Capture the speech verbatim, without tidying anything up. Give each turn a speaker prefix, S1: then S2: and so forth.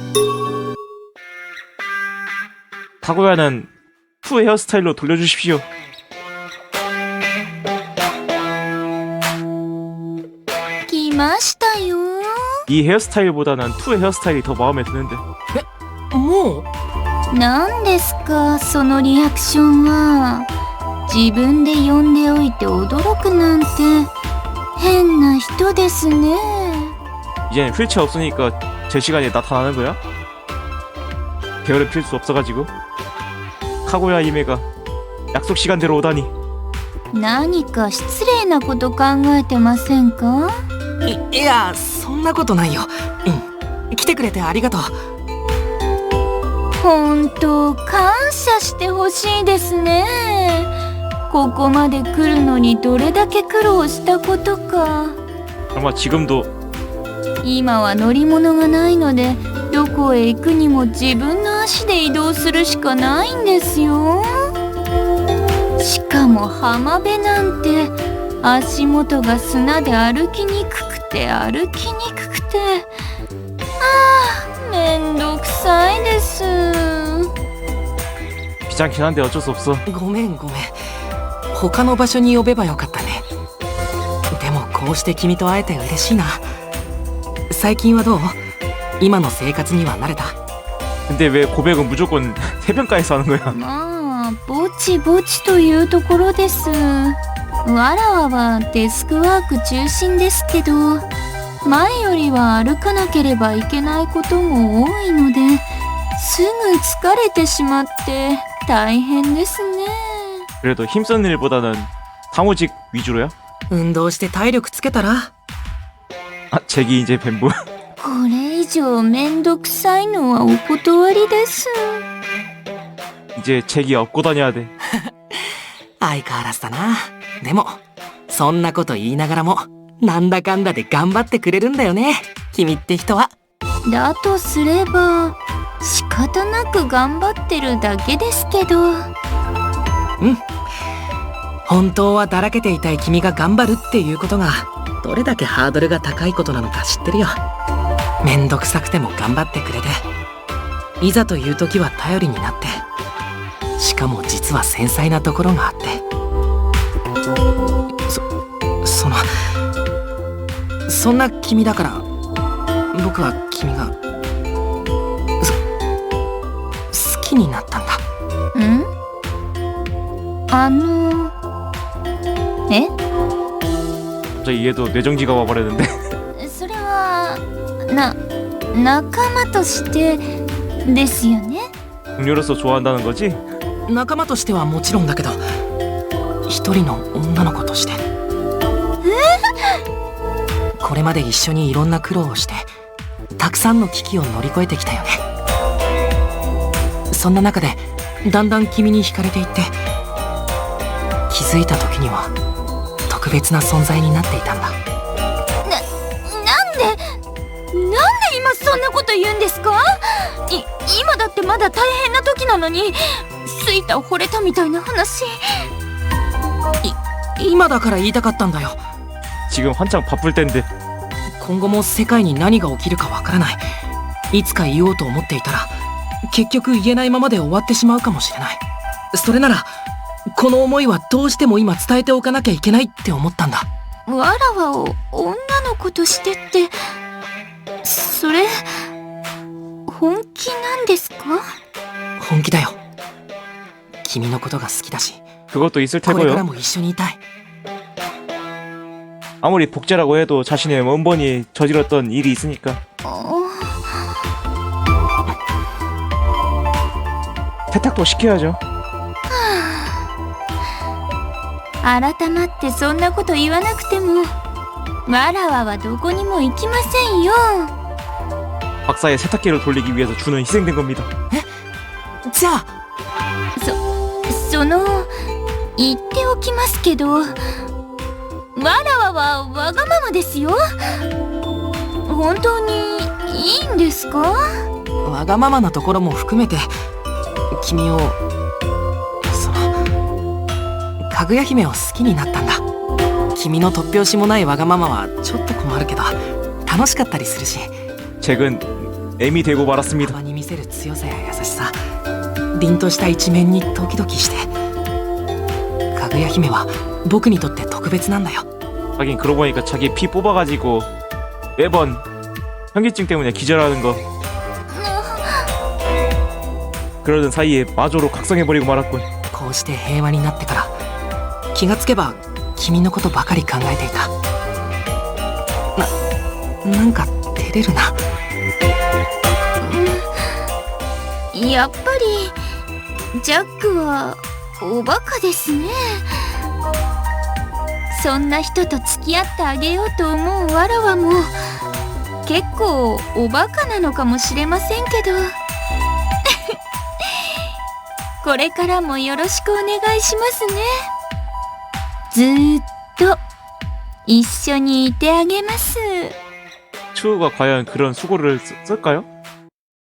S1: 카구야는 투 헤어스타일로 돌려주십시오.
S2: 来ましたよ。
S1: 이 헤어스타일보다는 투 헤어스타일이 더 마음에 드는데.
S3: もう
S2: 何ですかそのリアクションは。自分で呼んでおいて驚くなんて変な人ですね。
S1: 이제는 휠체어 없으니까 제 시간에 나타나는 거야? 게으름 필 수 없어가지고. 카구야 이메가 약속 시간대로 오다니.
S2: 何か失礼なこと考えてませんか？
S3: いいや、そんなことないよ。うん、来てくれてありがとう。
S2: 本当感謝してほしいですね。ここまで来るのにどれだけ苦労したことか。
S1: 아마 지금도
S2: 今は乗り物がないのでどこへ行くにも自分の足で移動するしかないんですよ。しかも浜辺なんて足元が砂で歩きにくくて歩きにくくて、ああめんどくさいです。
S1: 귀찮긴 한데 어쩔 수 없어.
S3: ごめんごめん。他の場所に呼べばよかったね。でもこうして君と会えて嬉しいな。最近はどう？今の生活には慣れた？
S1: 근데 왜 고백은 무조건 해변가에서 하는 거야?
S2: まあぼちぼちというところです。わらわはデスクワーク中心ですけど、前よりは歩かなければいけないことも多いのですぐ疲れてしまって大変ですね。
S1: 그래도 힘쓰는 일보다는 사무직 위주로야?
S3: 運動して体力つけたら？
S1: 아, 잭이 이제 뱀부.
S2: これ以上めんどくさいのはお断りです。
S1: 이제 잭이 업고 다녀야 돼.
S3: 相変わらずだな。でもそんなこと言いながらもなんだかんだで頑張ってくれるんだよね、君って人は。
S2: だとすれば仕方なく頑張ってるだけですけど。
S3: うん、本当はだらけていたい君が頑張るっていうことがどれだけハードルが高いことなのか知ってるよ。めんどくさくても頑張ってくれて、いざという時は頼りになって、しかも実は繊細なところがあって、そそのそんな君だから僕は君がそ好きになったんだ。
S2: ん？あのえ？
S1: 갑자기 얘도 뇌정지가 와버렸는데.
S2: それはな仲間としてですよね。
S1: 동료로서 좋아한다는 거지?
S3: 仲間としてはもちろんだけど、一人の女の子として。これまで一緒にいろんな苦労をしてたくさんの危機を乗り越えてきたよね。そんな中でだんだん君に惹かれていって、気づいた時には特別な存在になっていたんだ。
S2: な、なんでなんで今そんなこと言うんですか？い、今だってまだ大変な時なのにスイタ惚れたみたいな話。
S3: い、今だから言いたかったんだよ。
S1: 지금 한창 바쁠 텐데.
S3: 今後も世界に何が起きるかわからない。いつか言おうと思っていたら結局言えないままで終わってしまうかもしれない。それならこの思いはどうしても今伝えておかなきゃいけないって思ったんだ。
S2: わらわを女の子としてってそれ本気なんですか？
S3: 本気だよ。君のことが好きだし
S1: 그것도 있을
S3: これから
S1: 테고요.
S3: も一緒にいたい。
S1: 아무리 복제라고 해도 자신의 원본이 저질렀던 일이 있으니까.
S2: あ
S1: 세탁도 시켜야죠.
S2: 改まってそんなこと言わなくてもわらわはどこにも行きませんよ。
S1: 박사의 세탁기를 돌리기 위해서 주는 희생된 겁니다.
S3: じゃあ
S2: そ、その言っておきますけどわらわはわがままですよ。本当にいいんですか？
S3: わがままなところも含めて君をそのかぐや姫を好きになったんだ。君の突拍子もないわがままはちょっと困るけど楽しかったりするし。
S1: 잭은 M이 되고 말았습니다.
S3: 場に見せる強さや優しさ、凛とした一面にドキドキして。かぐや姫は僕にとって特別なんだよ。
S1: 하긴 그러고 보니까 자기 피 뽑아가지고 매번 현기증 때문에 기절하는 거. 그러던 사이에 마저로 각성해버리고 말았군.
S3: こうして平和になってから気がつけば君のことばかり考えていた。な、なんか照れるな。
S2: やっぱりジャックはおバカですね。そんな人と付き合ってあげようと思うわらわも結構おバカなのかもしれませんけどこれからもよろしくお願いしますね。ずーっと一緒にいてあげます。
S1: 추우가 과연 그런 수고를 쓰, 쓸까요?